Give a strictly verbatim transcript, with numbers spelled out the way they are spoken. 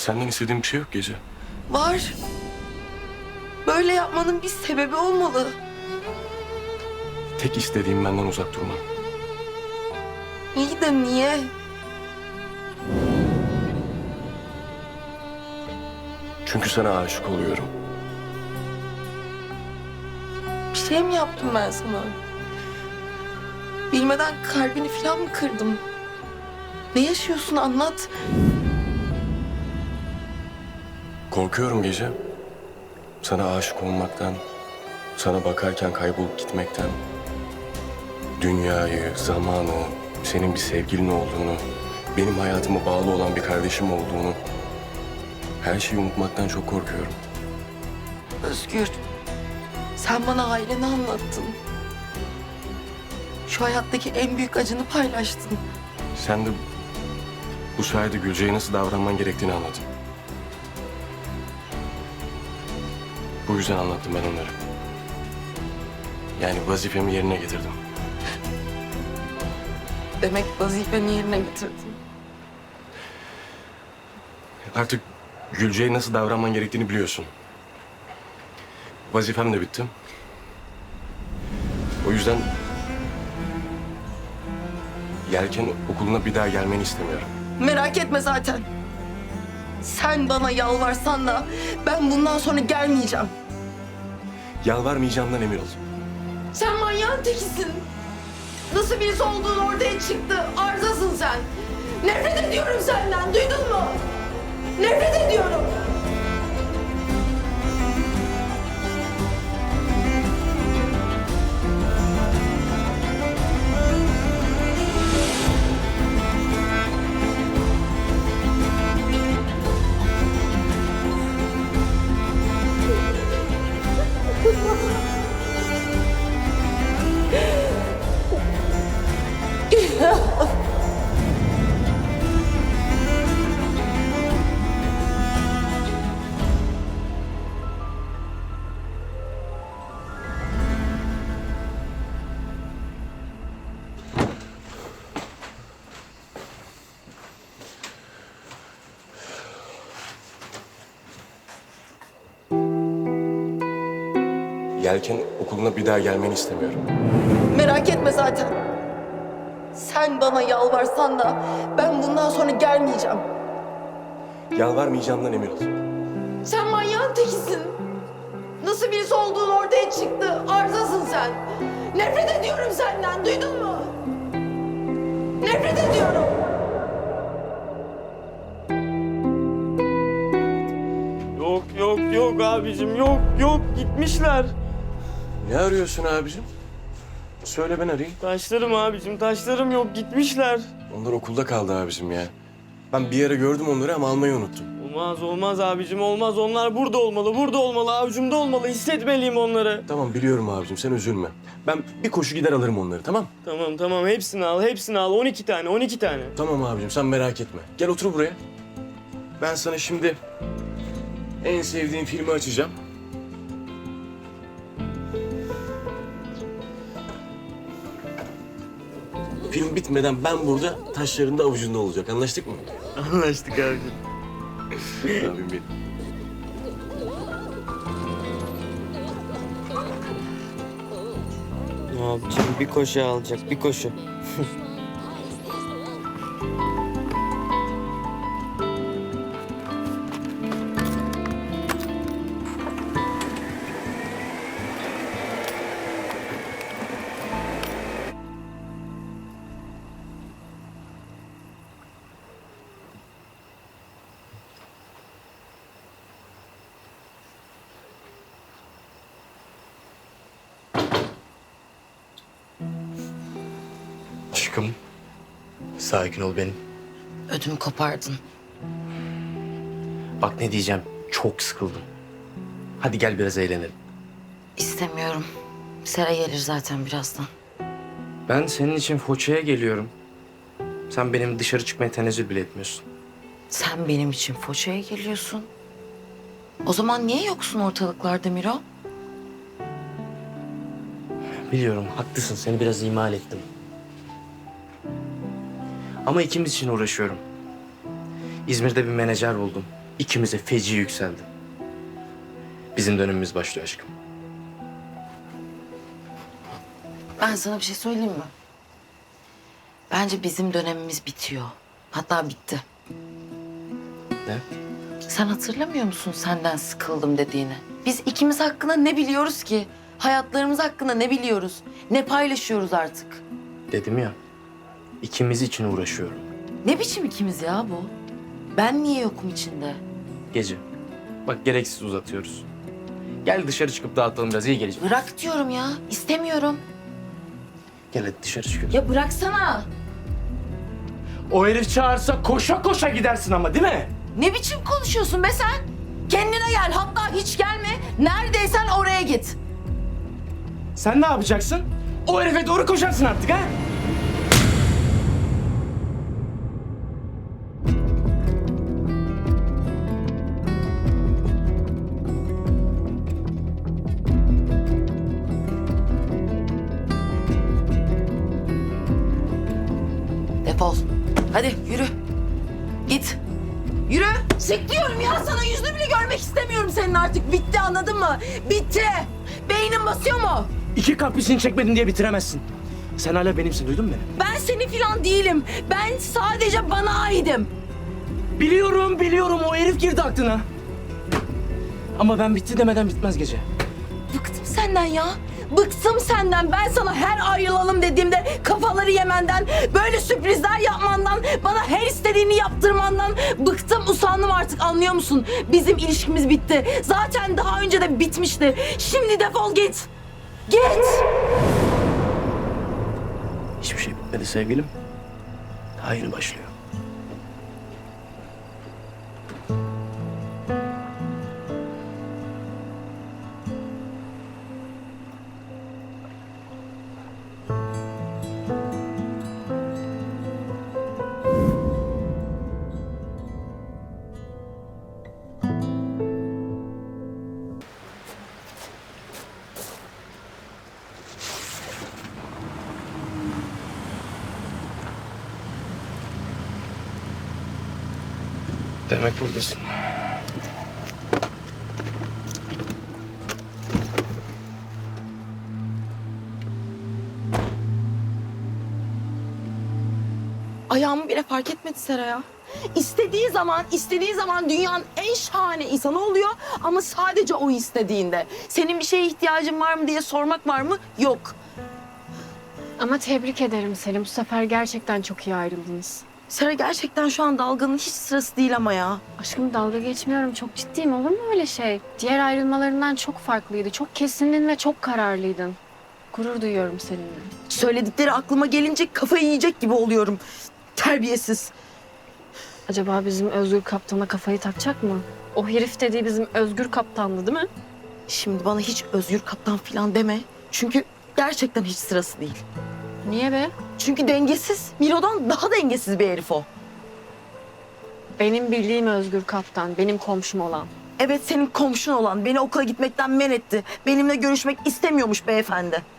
Senden istediğim bir şey yok Gece. Var. Böyle yapmanın bir sebebi olmalı. Tek istediğim benden uzak durman. İyi de niye? Çünkü sana aşık oluyorum. Bir şey mi yaptım ben sana? Bilmeden kalbini falan mı kırdım? Ne yaşıyorsun anlat. Korkuyorum Gece. Sana aşık olmaktan, sana bakarken kaybolup gitmekten, dünyayı, zamanı, senin bir sevgilin olduğunu, benim hayatıma bağlı olan bir kardeşim olduğunu, her şeyi unutmaktan çok korkuyorum. Özgür, sen bana aileni anlattın. Şu hayattaki en büyük acını paylaştın. Sen de bu sayede Gülce'ye nasıl davranman gerektiğini anladın. Bu yüzden anlattım ben onları. Yani vazifemi yerine getirdim. Demek vazifeni yerine getirdin. Artık Gülce'ye nasıl davranman gerektiğini biliyorsun. Vazifem de bitti. O yüzden Yelken okuluna bir daha gelmeni istemiyorum. Merak etme zaten. Sen bana yalvarsan da ben bundan sonra gelmeyeceğim. Yalvarmayacağımdan emin ol. Sen manyağın tekisin. Nasıl birisi olduğun ortaya çıktı. Arızasın sen. Nefret ediyorum senden. Duydun mu? Nefret ediyorum. Yelken okuluna bir daha gelmeni istemiyorum. Merak etme zaten. Sen bana yalvarsan da ben bundan sonra gelmeyeceğim. Yalvarmayacağımdan emin ol. Sen manyağın tekisin. Nasıl birisi olduğun ortaya çıktı. Arızasın sen. Nefret ediyorum senden. Duydun mu? Nefret ediyorum. Yok yok yok abicim yok yok gitmişler. Ne arıyorsun abicim? Söyle ben arayayım. Taşlarım abicim taşlarım yok gitmişler. Onlar okulda kaldı abicim ya. Ben bir yere gördüm onları ama almayı unuttum. Olmaz olmaz abicim olmaz onlar burada olmalı burada olmalı avucumda olmalı hissetmeliyim onları. Tamam biliyorum abicim sen üzülme. Ben bir koşu gider alırım onları tamam? Tamam tamam hepsini al hepsini al on iki tane on iki tane. Tamam abicim sen merak etme. Gel otur buraya. Ben sana şimdi en sevdiğin filmi açacağım. Film bitmeden ben burada taşlarında avucunda olacak. Anlaştık mı? Anlaştık abicim. Abim benim. Abicim bir koşu alacak bir koşu. Aşkım, sakin ol benim. Ödümü kopardın. Bak ne diyeceğim, çok sıkıldım. Hadi gel biraz eğlenelim. İstemiyorum. Sera gelir zaten birazdan. Ben senin için Foça'ya geliyorum. Sen benim dışarı çıkmaya tenezzül bile etmiyorsun. Sen benim için Foça'ya geliyorsun. O zaman niye yoksun ortalıklarda Miro? Biliyorum, haklısın. Seni biraz ihmal ettim. Ama ikimiz için uğraşıyorum. İzmir'de bir menajer buldum. İkimize feci yükseldi. Bizim dönemimiz başlıyor aşkım. Ben sana bir şey söyleyeyim mi? Bence bizim dönemimiz bitiyor. Hatta bitti. Ne? Sen hatırlamıyor musun senden sıkıldım dediğini? Biz ikimiz hakkında ne biliyoruz ki? Hayatlarımız hakkında ne biliyoruz? Ne paylaşıyoruz artık? Dedim ya, ikimiz için uğraşıyorum. Ne biçim ikimiz ya bu? Ben niye yokum içinde? Gece. Bak gereksiz uzatıyoruz. Gel dışarı çıkıp dağıtalım biraz, iyi gelecek. Bırak diyorum ya. İstemiyorum. Gel hadi dışarı çıkıyoruz. Ya bıraksana. O herif çağırsa koşa koşa gidersin ama değil mi? Ne biçim konuşuyorsun be sen? Kendine gel. Hatta hiç gelme. Neredeysen oraya git. Sen ne yapacaksın? O herife doğru koşarsın artık ha? Defol. Hadi yürü. Git. Yürü. Çık diyorum ya sana. Yüzünü bile görmek istemiyorum senin artık. Bitti, anladın mı? Bitti. Beynin basıyor mu? İki kaprisini çekmedin diye bitiremezsin. Sen hala benimsin, duydun mu beni? Ben senin falan değilim. Ben sadece bana aidim. Biliyorum, biliyorum. O herif girdi aklına. Ama ben bitti demeden bitmez gece. Bıktım senden ya. Bıktım senden. Ben sana her ayrılalım dediğimde kafaları yemenden, böyle sürprizler yapmandan, bana her istediğini yaptırmandan bıktım, usandım artık, anlıyor musun? Bizim ilişkimiz bitti. Zaten daha önce de bitmişti. Şimdi defol git. Git. Hiçbir şey bitmedi sevgilim. Daha yeni başlıyor. Demek buradasın. Ayağımı bile fark etmedi Sera ya. İstediği zaman, istediği zaman dünyanın en şahane insanı oluyor ama sadece o istediğinde. Senin bir şeye ihtiyacın var mı diye sormak var mı? Yok. Ama tebrik ederim Selim. Bu sefer gerçekten çok iyi ayrıldınız. Sera gerçekten şu an dalganın hiç sırası değil ama ya. Aşkım dalga geçmiyorum. Çok ciddiyim. Olur mu öyle şey? Diğer ayrılmalarından çok farklıydı. Çok kesindin ve çok kararlıydın. Gurur duyuyorum seninle. Söyledikleri aklıma gelince kafayı yiyecek gibi oluyorum. Terbiyesiz. Acaba bizim Özgür Kaptan'a kafayı takacak mı? O herif dediği bizim Özgür Kaptan'dı değil mi? Şimdi bana hiç Özgür Kaptan falan deme. Çünkü gerçekten hiç sırası değil. Niye be? Çünkü dengesiz. Milo'dan daha dengesiz bir herif o. Benim bildiğim Özgür Kaptan. Benim komşum olan. Evet, senin komşun olan beni okula gitmekten men etti. Benimle görüşmek istemiyormuş beyefendi.